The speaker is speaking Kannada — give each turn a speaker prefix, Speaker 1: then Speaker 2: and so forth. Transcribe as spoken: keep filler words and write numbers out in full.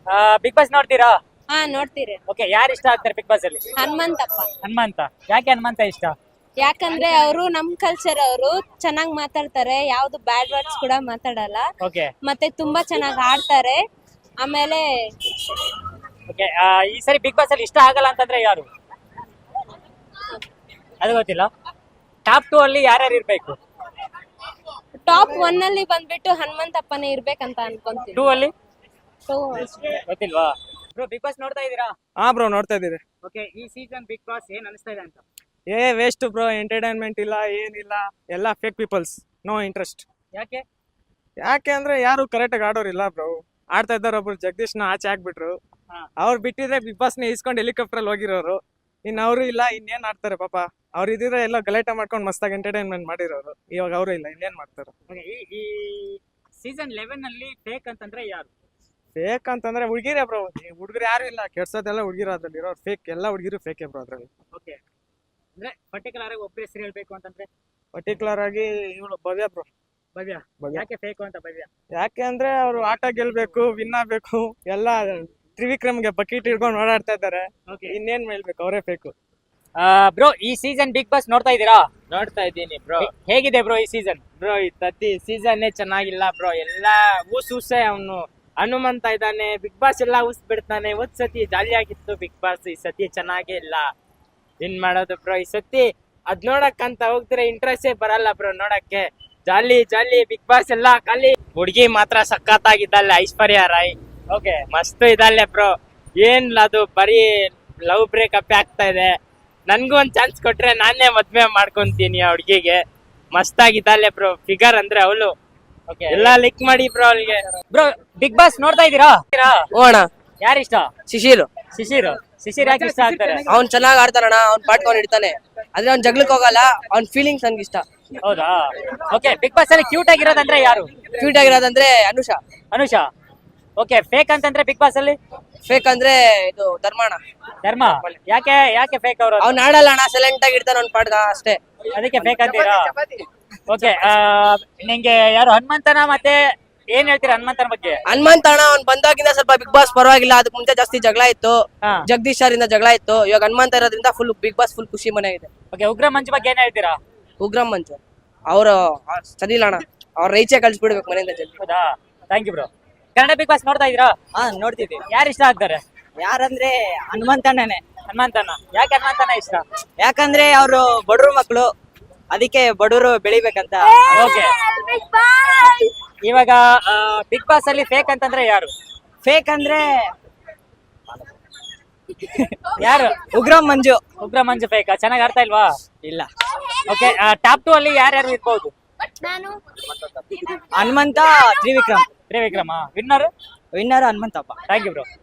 Speaker 1: ಬಿಗ್ ಬಾಸ್ ನೋಡ್ತೀರಾ?
Speaker 2: ಹಾ ನೋಡ್ತೀರಿ.
Speaker 1: ಓಕೆ, ಯಾರು ಇಷ್ಟ ಆಗ್ತಾರೆ ಬಿಗ್ ಬಾಸ್ ಅಲ್ಲಿ?
Speaker 2: ಹನುಮಂತಪ್ಪ.
Speaker 1: ಹನುಮಂತ. ಯಾಕೆ ಹನುಮಂತ ಇಷ್ಟ?
Speaker 2: ಯಾಕಂದ್ರೆ ಅವರು ನಮ್ ಕಲ್ಚರ್ ಅವರು ಚೆನ್ನಾಗ್ ಮಾತಾಡ್ತಾರೆ, ಯಾವ್ದು ಬ್ಯಾಡ್ ವರ್ಡ್ಸ್ ಕೂಡ ಮಾತಾಡಲ್ಲ,
Speaker 1: ಓಕೆ
Speaker 2: ಮತ್ತೆ ತುಂಬಾ ಚೆನ್ನಾಗ್ ಆಡ್ತಾರೆ. ಆಮೇಲೆ
Speaker 1: ಓಕೆ ಈ ಸರಿ ಬಿಗ್ ಬಾಸ್ ಅಲ್ಲಿ ಇಷ್ಟ ಆಗಲ್ಲ ಅಂತಂದ್ರೆ ಯಾರು? ಅದು ಗೊತ್ತಿಲ್ಲ. ಟಾಪ್ ಟೂ ಅಲ್ಲಿ ಯಾರ್ಯಾರು ಇರ್ಬೇಕು?
Speaker 2: ಟಾಪ್ ಒನ್ ಅಲ್ಲಿ ಬಂದ್ಬಿಟ್ಟು ಹನುಮಂತಪ್ಪನೇ ಇರ್ಬೇಕಂತ ಅನ್ಕೊಂತೀನಿ.
Speaker 1: ಟೂ ಅಲ್ಲಿ
Speaker 2: So,
Speaker 1: ಗೊತ್ತಿಲ್ವಾ? ಬ್ರೋ ಬಿಗ್ ಬಾಸ್ ನೋಡ್ತಾ ಇದೀರಾ?
Speaker 3: ಹಾ ಬ್ರೋ ನೋಡ್ತಾ ಇದೀರಿ.
Speaker 1: ಓಕೆ, ಈ ಸೀಸನ್ ಬಿಗ್ ಬಾಸ್ ಏನ್ ಅನಿಸ್ತಾ ಇದೆ ಅಂತ?
Speaker 3: ಏ ವೇಸ್ಟ್ ಬ್ರೋ, ಎಂಟರ್ಟೈನ್ಮೆಂಟ್ ಇಲ್ಲ, ಏನಿಲ್ಲ, ಎಲ್ಲ ಫೇಕ್ ಪೀಪಲ್ಸ್, ನೋ ಇಂಟ್ರೆಸ್ಟ್.
Speaker 1: ಯಾಕೆ?
Speaker 3: ಯಾಕೆ ಅಂದ್ರೆ ಯಾರು ಕರೆಕ್ಟಾಗಿ ಆಡೋರಿಲ್ಲ ಬ್ರೋ. ಆಡ್ತಾ ಇದ್ದಾರೆ ಒಬ್ರು ಜಗದೀಶ್ನ ಆಚೆ ಹಾಕ್ಬಿಟ್ರು.
Speaker 1: ಹಾ.
Speaker 3: ಅವ್ರು ಬಿಟ್ಟಿದ್ರೆ ಬಿಗ್ ಬಾಸ್ನ ಇಸ್ಕೊಂಡು ಹೆಲಿಕಾಪ್ಟರ್ ಅಲ್ಲಿ ಹೋಗಿರೋರು. ಇನ್ ಅವರು ಇಲ್ಲ, ಇನ್ನೇನ್ ಆಡ್ತಾರೆ ಪಾಪ. ಅವ್ರು ಇದ್ರೆ ಎಲ್ಲ ಗಲಾಟೆ ಮಾಡ್ಕೊಂಡು ಮಸ್ತಾಗಿ ಎಂಟರ್ಟೈನ್ಮೆಂಟ್ ಮಾಡಿರೋರು. ಇವಾಗ ಅವರು ಇಲ್ಲ, ಇನ್ನೇನ್ ಮಾಡ್ತಾರೆ.
Speaker 1: Okay, ಈ ಈ ಸೀಸನ್ ಲೆವೆನ್ ಅಲ್ಲಿ ಫೇಕ್ ಅಂತಂದ್ರೆ ಯಾರು?
Speaker 3: ಫೇಕ್ ಅಂತಂದ್ರೆ ಹುಡುಗಿರೇ ಬ್ರೋ. ಹುಡುಗರು ಯಾರು ಇಲ್ಲ, ಕೆಡ್ಸೋದೆಲ್ಲ ಹುಡುಗಿರು ಅದ್ರಲ್ಲಿ ಇರೋರು. ಫೇಕ್, ಎಲ್ಲ ಹುಡುಗಿರು ಫೇಕೆ ಬ್ರೋ ಅದ್ರಲ್ಲಿ.
Speaker 1: ಓಕೆ, ಅಂದ್ರೆ ಪರ್ಟಿಕ್ಯುಲರ್ ಆಗಿ ಒಬ್ಬ ಹೆಸರು ಹೇಳ್ಬೇಕು ಅಂತಂದ್ರೆ
Speaker 3: ಪರ್ಟಿಕ್ಯುಲರ್ ಆಗಿ ಇವಳು ಭವ್ಯ ಬ್ರೋ.
Speaker 1: ಭವ್ಯ.
Speaker 3: ಭವ್ಯ.
Speaker 1: ಯಾಕೆ ಫೇಕು ಅಂತ ಭವ್ಯ?
Speaker 3: ಯಾಕೆ ಅಂದ್ರೆ ಅವ್ರು ಆಟ ಗೆಲ್ಬೇಕು, ವಿನ್ ಆಗ್ಬೇಕು, ಎಲ್ಲ ತ್ರಿವಿಕ್ರಮ್ಗೆ ಬಕೆಟ್ ಹಿಡ್ಕೊಂಡು ಓಡಾಡ್ತಾ ಇದ್ದಾರೆ.
Speaker 1: ಓಕೆ
Speaker 3: ಇನ್ನೇನ್ ಹೇಳ್ಬೇಕು, ಅವರೇ ಬೇಕು.
Speaker 1: ಬ್ರೋ ಈ ಸೀಸನ್ ಬಿಗ್ ಬಾಸ್ ನೋಡ್ತಾ ಇದ್ದೀರಾ?
Speaker 4: ನೋಡ್ತಾ ಇದ್ದೀನಿ ಬ್ರೋ.
Speaker 1: ಹೇಗಿದೆ ಬ್ರೋ ಈ ಸೀಸನ್?
Speaker 4: ಬ್ರೋ ಈ ತತ್ತಿ ಸೀಸನ್ನೇ ಚೆನ್ನಾಗಿಲ್ಲ ಬ್ರೋ. ಎಲ್ಲ ಊಸ್ ಊಸೆ ಅವನು. ಹನುಮಂತ ಇದ್ದಾನೆ, ಬಿಗ್ ಬಾಸ್ ಎಲ್ಲ ಊಸ್ ಬಿಡ್ತಾನೆ. ಒಂದ್ ಸತಿ ಜಾಲಿ ಆಗಿತ್ತು ಬಿಗ್ ಬಾಸ್, ಈ ಸತಿ ಚೆನ್ನಾಗೇ ಇಲ್ಲ. ಏನ್ ಮಾಡೋದು ಬ್ರೋ ಈ ಸತಿ? ಅದ್ ನೋಡಕ್ಕಂತ ಹೋಗ್ತಾರೆ, ಇಂಟ್ರೆಸ್ಟೇ ಬರಲ್ಲ ಬ್ರೋ ನೋಡಕ್ಕೆ. ಜಾಲಿ ಜಾಲಿ ಬಿಗ್ ಬಾಸ್ ಎಲ್ಲ ಖಾಲಿ. ಹುಡುಗಿ ಮಾತ್ರ ಸಖತ್ತಾಗಿದ್ದಾಳೆ, ಐಶ್ವರ್ಯ ರಾಯ್.
Speaker 1: ಓಕೆ,
Speaker 4: ಮಸ್ತ್ ಇದ್ದಾಳೆ ಬ್ರೋ. ಏನ್ ಅದು ಬರೀ ಲವ್ ಬ್ರೇಕಪ್ ಆಗ್ತಾ ಇದೆ. ನನ್ಗೂ ಒಂದ್ ಚಾನ್ಸ್ ಕೊಟ್ರೆ ನಾನೇ ಮದ್ವೆ ಮಾಡ್ಕೊಂತೀನಿ ಆ ಹುಡ್ಗಿಗೆ. ಮಸ್ತಾಗಿದ್ದಾಳೆ ಬ್ರೋ. ಫಿಗರ್ ಅಂದ್ರೆ ಅವಳು.
Speaker 1: ಓಕೆ.
Speaker 4: ಎಲ್ಲ ಲಿಕ್ ಮಾಡಿ ಬ್ರೋ ಅವಳಿಗೆ.
Speaker 1: ಬ್ರೋ ಬಿಗ್ ಬಾಸ್ ನೋಡ್ತಾ ಇದ್ದೀರಾ?
Speaker 5: ಓಣ
Speaker 1: ಯಾರು ಇಷ್ಟ?
Speaker 5: ಶಿಶಿರ್
Speaker 1: ಶಿಶಿರ್. ಶಿಶಿರ್ ಯಾಕೆ ಇಷ್ಟ ಆಗ್ತಾರೆ?
Speaker 5: ಅವ್ನ್ ಚೆನ್ನಾಗ್ ಆಡ್ತಾನಣ್ಣ, ಅವ್ನ್ ಪಾಟ್ಕೊಂಡ್ ಇಡ್ತಾನೆ, ಆದ್ರೆ ಅವ್ನ್ ಜಗ್ಲಕ್ ಹೋಗಲ್ಲ. ಅವ್ನ್ ಫೀಲಿಂಗ್ಸ್ ನನ್ಗೆ ಇಷ್ಟ.
Speaker 1: ಹೌದಾ? ಓಕೆ, ಬಿಗ್ ಬಾಸ್ ಅಲ್ಲಿ ಕ್ಯೂಟ್ ಆಗಿರೋದಂದ್ರೆ ಯಾರು?
Speaker 5: ಕ್ಯೂಟ್ ಆಗಿರೋದಂದ್ರೆ ಅನುಷಾ.
Speaker 1: ಅನುಷಾ. ಓಕೆ, ಫೇಕ್ ಅಂತಂದ್ರೆ ಬಿಗ್ ಬಾಸ್ ಅಲ್ಲಿ?
Speaker 5: ಫೇಕ್ ಅಂದ್ರೆ ಇದು ಧರ್ಮಣ್ಣ.
Speaker 1: ಧರ್ಮ. ಯಾಕೆ ಯಾಕೆ ಫೇಕ್ ಅವರು?
Speaker 5: ಅವ್ನ್ ಆಡಲ್ಲ ಅಣ್ಣ, ಸೈಲೆಂಟ್ ಆಗಿ ಇರ್ತಾನ ಅವ್ನ್ ಪಾಟ್ಗ ಅಷ್ಟೇ.
Speaker 1: ಅದಕ್ಕೆ ಫೇಕ್ ಅಂತೀರಾ? ಓಕೆ, ನಿಂಗೆ ಯಾರು ಹನುಮಂತನ ಮತ್ತೆ ಏನ್ ಹೇಳ್ತೀರಾ ಹನುಮಂತನ ಬಗ್ಗೆ?
Speaker 5: ಹನುಮಂತ ಅಣ್ಣ ಅವ್ನ್ ಬಂದಾಗಿಂದ ಸ್ವಲ್ಪ ಬಿಗ್ ಬಾಸ್ ಪರವಾಗಿಲ್ಲ. ಅದಕ್ ಮುಂಚೆ ಜಾಸ್ತಿ ಜಗಳ ಇತ್ತು,
Speaker 1: ಹಾ.
Speaker 5: ಜಗದೀಶ್ ಅವರಿಂದ ಜಗಳ ಇತ್ತು. ಇವಾಗ ಹನುಮಂತ ಇರೋದ್ರಿಂದ ಫುಲ್ ಬಿಗ್ ಬಾಸ್ ಫುಲ್ ಖುಷಿ ಮನೆ ಇದೆ.
Speaker 1: ಓಕೆ, ಉಗ್ರ ಮಂಜು ಬಗ್ಗೆ ಏನ್ ಹೇಳ್ತೀರಾ?
Speaker 5: ಉಗ್ರಂ ಮಂಜು ಅವ್ರು ಸರಿ ಇಲ್ಲ ಅಣ್ಣ, ಅವ್ರ ರೈಚೆ ಕಳ್ಸಿಬಿಡ್ಬೇಕು ಮನೆಯಿಂದ ಜಲ್ದಿ.
Speaker 1: ಹೌದಾ? Thank you bro. Kannada big boss ನೋಡ್ತಾ ಇದೀರಾ?
Speaker 6: ಹಾ ನೋಡ್ತಿದ್ವಿ.
Speaker 1: ಯಾರು ಇಷ್ಟ ಆಗ್ತಾರೆ?
Speaker 6: ಯಾರಂದ್ರೆ ಹನುಮಂತಣ್ಣನೇ.
Speaker 1: ಹನುಮಂತನ. ಯಾಕೆ ಹನುಮಂತನ ಇಷ್ಟ?
Speaker 6: ಯಾಕಂದ್ರೆ ಅವರು ಬಡವ್ರ ಮಕ್ಕಳು, ಅದಕ್ಕೆ ಬಡವರು ಬೆಳಿಬೇಕಂತ.
Speaker 1: ಓಕೆ, ಇವಾಗ ಬಿಗ್ ಬಾಸ್ ಅಲ್ಲಿ ಫೇಕ್ ಅಂತಂದ್ರೆ ಯಾರು?
Speaker 6: ಫೇಕ್ ಅಂದ್ರೆ
Speaker 1: ಯಾರು?
Speaker 6: ಉಗ್ರಂ ಮಂಜು.
Speaker 1: ಉಗ್ರ ಮಂಜು ಫೇಕ್. ಚೆನ್ನಾಗಿ ಆಡ್ತಾ ಇಲ್ವಾ?
Speaker 6: ಇಲ್ಲ.
Speaker 1: ಓಕೆ, ಟಾಪ್ ಟೂ ಅಲ್ಲಿ ಯಾರ್ಯಾರು ಇರ್ಬೋದು?
Speaker 6: Hanumantha, Trivikram.
Speaker 1: Trivikrama. Winner?
Speaker 6: Winner Hanumanthappa.
Speaker 1: Thank you bro.